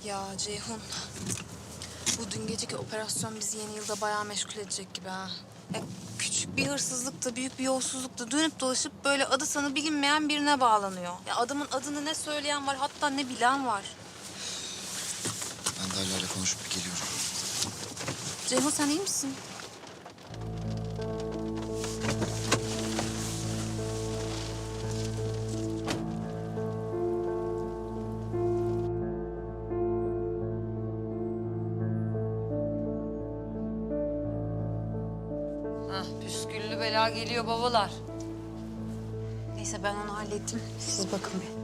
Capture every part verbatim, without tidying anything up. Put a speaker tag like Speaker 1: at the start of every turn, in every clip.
Speaker 1: Ya Ceyhun, bu dün geceki operasyon bizi yeni yılda bayağı meşgul edecek gibi ha. Ya küçük bir hırsızlık da büyük bir yolsuzluk da dönüp dolaşıp böyle adı sanı bilinmeyen birine bağlanıyor. Ya adamın adını ne söyleyen var, hatta ne bilen var.
Speaker 2: Ben de Alya'yla konuşup bir geliyorum.
Speaker 1: Ceyhun sen iyi misin?
Speaker 3: Hah, püsküllü bela geliyor babalar.
Speaker 1: Neyse ben onu hallettim. Siz bakın bir.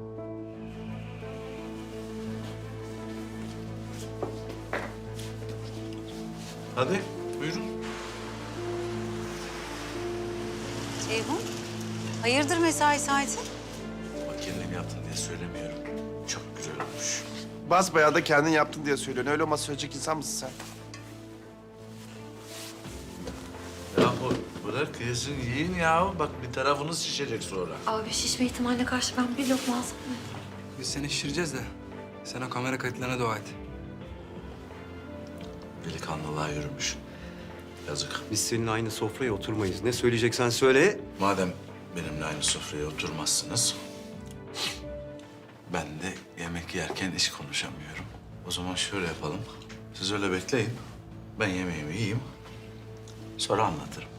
Speaker 4: Hadi buyurun.
Speaker 3: Ceyhun, hayırdır mesai saati?
Speaker 4: Bak kendin yaptın diye söylemiyorum. Çok güzel olmuş.
Speaker 5: Basbayağı da kendin yaptın diye söylüyorsun. Öyle olmaz söyleyecek insan mısın sen?
Speaker 4: Yahu bırak yesin yiyin ya. Bak bir tarafınız şişecek sonra.
Speaker 6: Abi şişme ihtimaline karşı ben bir lokma alsam mı?
Speaker 7: Biz seni şişireceğiz de sen o kamera kayıtlarına dua et.
Speaker 4: Delikanlılığa yürümüş. Yazık.
Speaker 8: Biz seninle aynı sofraya oturmayız. Ne söyleyeceksen söyle.
Speaker 4: Madem benimle aynı sofraya oturmazsınız... ben de yemek yerken iş konuşamıyorum. O zaman şöyle yapalım. Siz öyle bekleyin. Ben yemeğimi yiyeyim. Sonra anlatırım.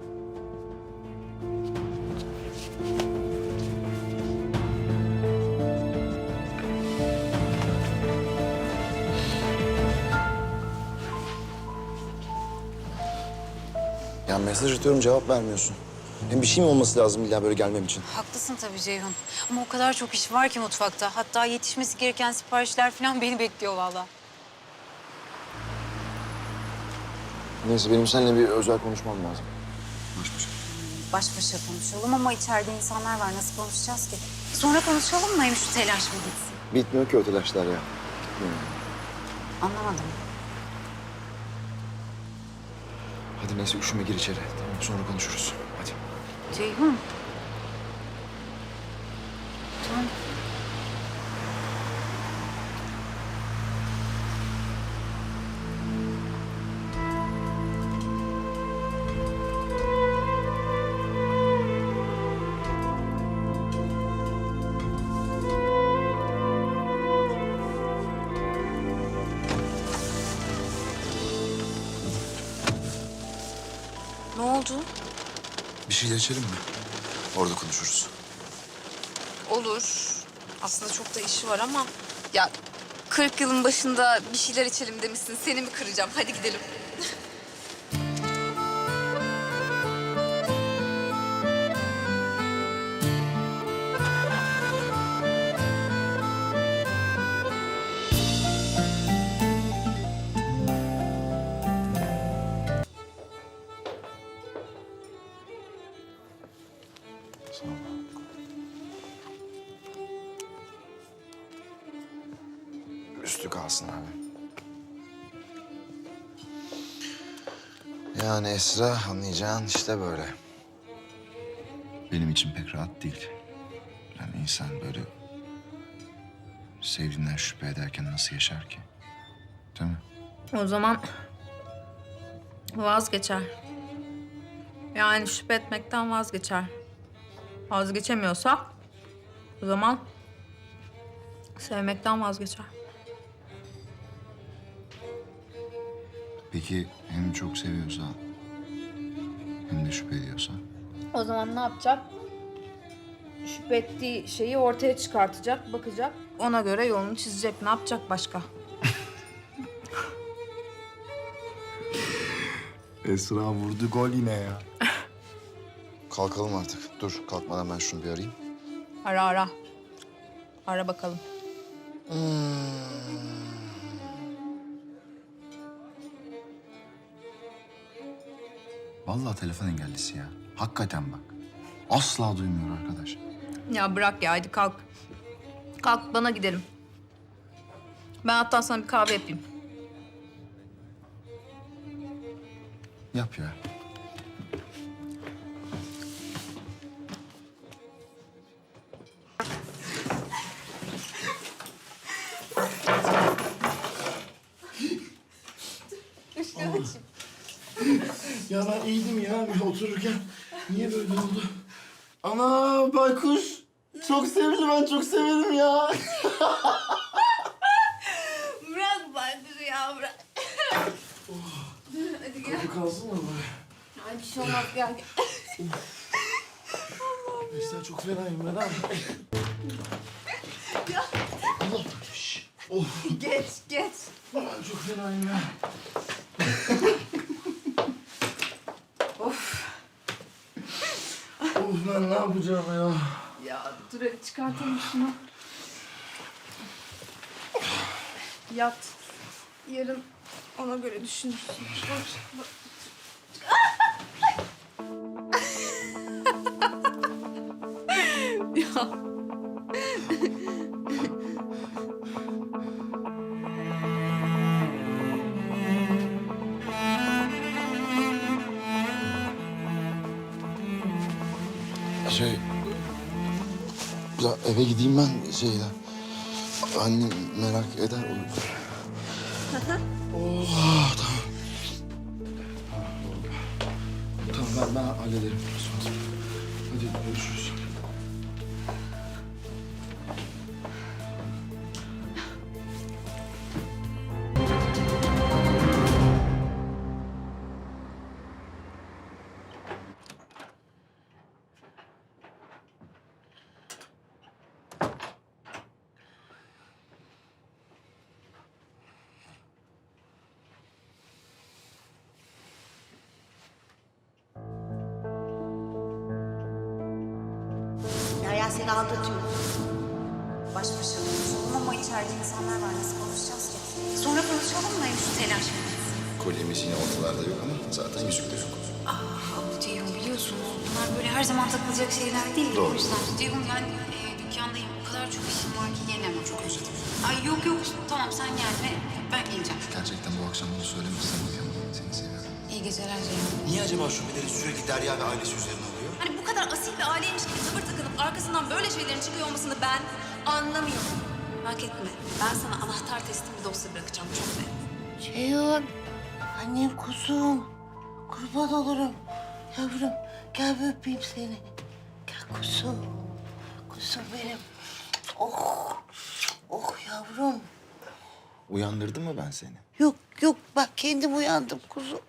Speaker 2: Ya mesaj atıyorum cevap vermiyorsun. Hem bir şey mi olması lazım illa böyle gelmem için?
Speaker 3: Haklısın tabii Ceyhun. Ama o kadar çok iş var ki mutfakta. Hatta yetişmesi gereken siparişler falan beni bekliyor vallahi.
Speaker 2: Neyse benim seninle bir özel konuşmam lazım. Baş başa.
Speaker 3: Baş başa konuşalım ama içeride insanlar var. Nasıl konuşacağız ki? Sonra konuşalım mı? Hem şu telaş bir gitsin.
Speaker 2: Bitmiyor ki o telaşlar ya. Bitmiyor.
Speaker 3: Anlamadım.
Speaker 2: Hadi neyse üşüme gir içeri. Tamam sonra konuşuruz. Hadi.
Speaker 3: Ceyhun. Tamam.
Speaker 1: Ne oldu?
Speaker 2: Bir şeyler içelim mi? Orada konuşuruz.
Speaker 1: Olur. Aslında çok da işi var ama... Ya kırk yılın başında bir şeyler içelim demişsin. Seni mi kıracağım? Hadi gidelim.
Speaker 2: Sağ ol. Üstü kalsın abi. Yani Esra anlayacağın işte böyle. Benim için pek rahat değil. Yani insan böyle sevdiğinden şüphe ederken nasıl yaşar ki? Değil mi?
Speaker 1: O zaman vazgeçer. Yani şüphe etmekten vazgeçer. Vazgeçemiyorsa o zaman sevmekten vazgeçer.
Speaker 2: Peki hem çok seviyorsa hem de şüphe ediyorsa?
Speaker 1: O zaman ne yapacak? Şüphe ettiği şeyi ortaya çıkartacak, bakacak. Ona göre yolunu çizecek. Ne yapacak başka?
Speaker 2: Esra vurdu gol yine ya. Kalkalım artık. Dur kalkmadan ben şunu bir arayayım.
Speaker 1: Ara ara. Ara bakalım.
Speaker 2: Vallahi telefon engellisi ya. Hakikaten bak. Asla duymuyor arkadaş.
Speaker 1: Ya bırak ya, hadi kalk. Kalk, bana gidelim. Ben hatta sana bir kahve yapayım.
Speaker 2: Yap ya.
Speaker 9: Ya ben iyiydim ya bir otururken. Niye böyle oldu? Ana baykuş. Çok sevdi, ben çok severim ya.
Speaker 1: Bırak baykuşu ya bırak. Hadi gel.
Speaker 9: Bu kalsın mı böyle?
Speaker 1: Ay bir şey olmaz gel.
Speaker 9: Mesela çok fenayım ben abi.
Speaker 1: Ya.
Speaker 9: Allah. Şş. Oh.
Speaker 1: Geç geç.
Speaker 9: Ben çok fenayım ya.
Speaker 1: Of.
Speaker 9: Of ben ne yapacağım ya?
Speaker 1: Ya dur hadi çıkartalım şunu. Yat. Yarın ona göre düşünürsün. Bak, bak. Ya.
Speaker 2: Şey... Ya eve gideyim ben şeyden. Annem merak eder olur. Oh, tamam. Tamam ben, ben hallederim. Hadi görüşürüz.
Speaker 10: Derya seni aldatıyor.
Speaker 3: Baş başa konuşalım ama içeride insanlar var. Nasıl konuşacağız ki? Sonra konuşalım mı? Şu telaş.
Speaker 2: Kolyemiz yine ortalarda yok ama zaten yüzük de yok.
Speaker 3: Ah bu Ceyhun biliyorsunuz. Bunlar böyle her zaman takılacak şeyler değil.
Speaker 2: Doğru.
Speaker 3: O yüzden Ceyhun ben e, dükkandayım. O kadar çok işim var ki gelemem. Çok özledim. Ay yok yok tamam sen gelme. Ben geleceğim.
Speaker 2: Gerçekten bu akşam bunu söylemezsem uyuyamam. Seni seviyorum.
Speaker 3: İyi geceler Ceyhun.
Speaker 9: Niye acaba şubeleri sürekli Derya ve ailesi üzerine alıyor?
Speaker 1: Hani bu kadar asil bir aileymiş gibi tavır takınıp arkasından böyle şeylerin çıkıyor olmasını ben anlamıyorum. Merak etme. Ben sana anahtar teslim bir dosya bırakacağım. Çok net.
Speaker 10: Ceyhun. Annem kuzum. Kurban olurum. Yavrum gel bir öpeyim seni. Gel kuzum. Kuzum benim. Oh. Oh yavrum.
Speaker 2: Uyandırdım mı ben seni?
Speaker 10: Yok yok bak kendim uyandım kuzum.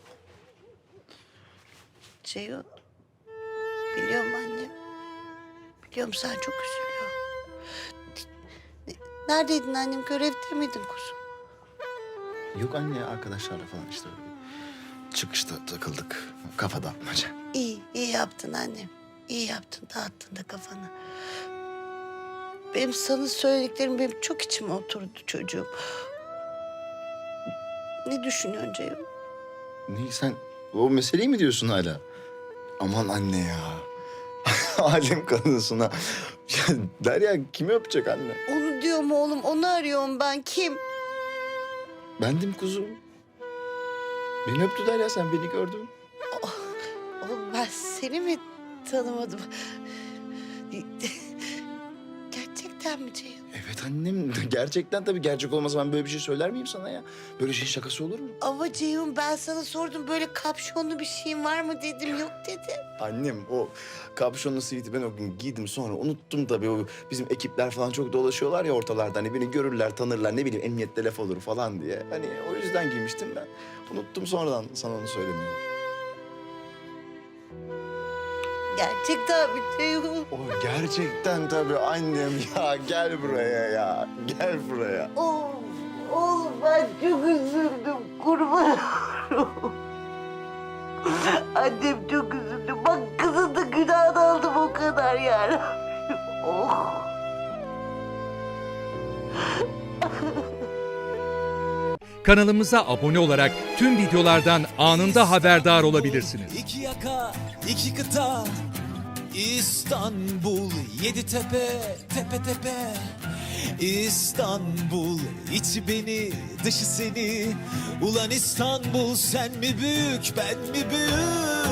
Speaker 10: Ceyhun. Biliyorum annem. Biliyorum sen çok üzülüyorsun. Neredeydin annem? Görevde miydin kuzum?
Speaker 2: Yok anne, arkadaşlarla falan işte. Çıkışta takıldık. Kafa dağıtmaca.
Speaker 10: İyi, iyi yaptın annem. İyi yaptın, dağıttın da kafanı. Benim sana söylediklerim benim çok içime oturdu çocuğum. Ne düşünüyorsun Ceyhun?
Speaker 2: Ne sen o meseleyi mi diyorsun hala? Aman anne ya. Alem kadınsın ha. Ya Derya kimi öpecek anne?
Speaker 10: Onu diyorum oğlum, onu arıyorum ben. Kim?
Speaker 2: Bendim kuzum. Beni öptü Derya, sen beni gördün.
Speaker 10: Oğlum ben seni mi tanımadım? Gerçekten mi Ceyhun?
Speaker 2: Evet annem, gerçekten tabii, gerçek olmasa ben böyle bir şey söyler miyim sana ya? Böyle şeyin şakası olur mu?
Speaker 10: Ama Ceyhun ben sana sordum böyle kapşonlu bir şeyin var mı dedim. Yok dedi.
Speaker 2: Annem o kapşonlu siviti ben o gün giydim, sonra unuttum tabii. O bizim ekipler falan çok dolaşıyorlar ya ortalarda. Hani beni görürler, tanırlar, ne bileyim emniyette laf olur falan diye. Hani o yüzden giymiştim ben. Unuttum sonradan sana onu söylemeyi.
Speaker 10: Gerçekten mi Ceyhun?
Speaker 2: O gerçekten tabii annem ya. Gel buraya ya. Gel buraya.
Speaker 10: Oğlum, oğlum ben çok üzüldüm. Kurban olurum. Annem çok üzüldü. Bak kızın da günahını aldım o kadar yani. Oh.
Speaker 11: Kanalımıza abone olarak tüm videolardan anında haberdar olabilirsiniz.
Speaker 12: İki yaka, iki kıta, İstanbul, yedi tepe, tepe tepe. İstanbul, içi beni, dışı seni. Ulan İstanbul, sen mi büyük, ben mi büyük?